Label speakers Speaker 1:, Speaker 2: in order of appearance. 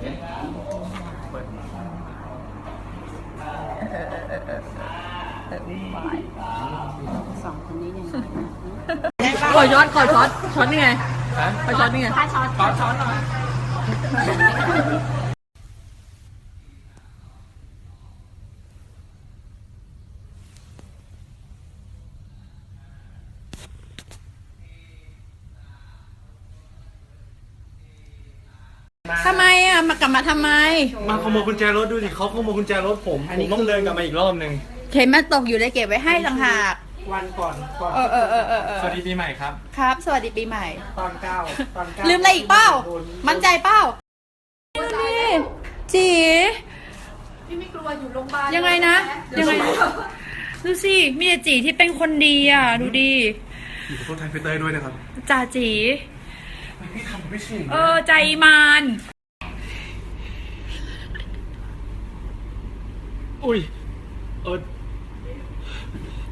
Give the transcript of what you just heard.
Speaker 1: สองคนนี้ยังไง
Speaker 2: ขอช็อตนี่ไงขอช็อตนี่ไง
Speaker 1: ถ้าช้อนหน่อย
Speaker 2: ทำไมอ่ะมากลับมาทำไม
Speaker 3: มาขโมยกุญแจรถดูดิเขาขโมยกุญแจรถผมต้องเดินกลับมาอีกรอบนึง
Speaker 2: เข็มมันตกอยู่เลยเก็บไว้ให้ต่างหาก
Speaker 3: วันก่อนสวัสดีปีใหม่ครับ
Speaker 2: ครับสวัสดีปีใหม่
Speaker 3: ตอนเก้า
Speaker 2: ลืมอะไรอีกเปล่ามั่นใจเปล่าจีพี่ไม่กลัวอยู่โรงพยาบาลยังไงนะยังไงดูสิมีจีที่เป็นคนดีอ่ะดูดี
Speaker 3: ขอโทษแทนพี่เต้ยด้วยนะครับ
Speaker 2: จ่าจี
Speaker 3: พี่ทำไม่ใช่
Speaker 2: ใจมาน
Speaker 3: อุ้ย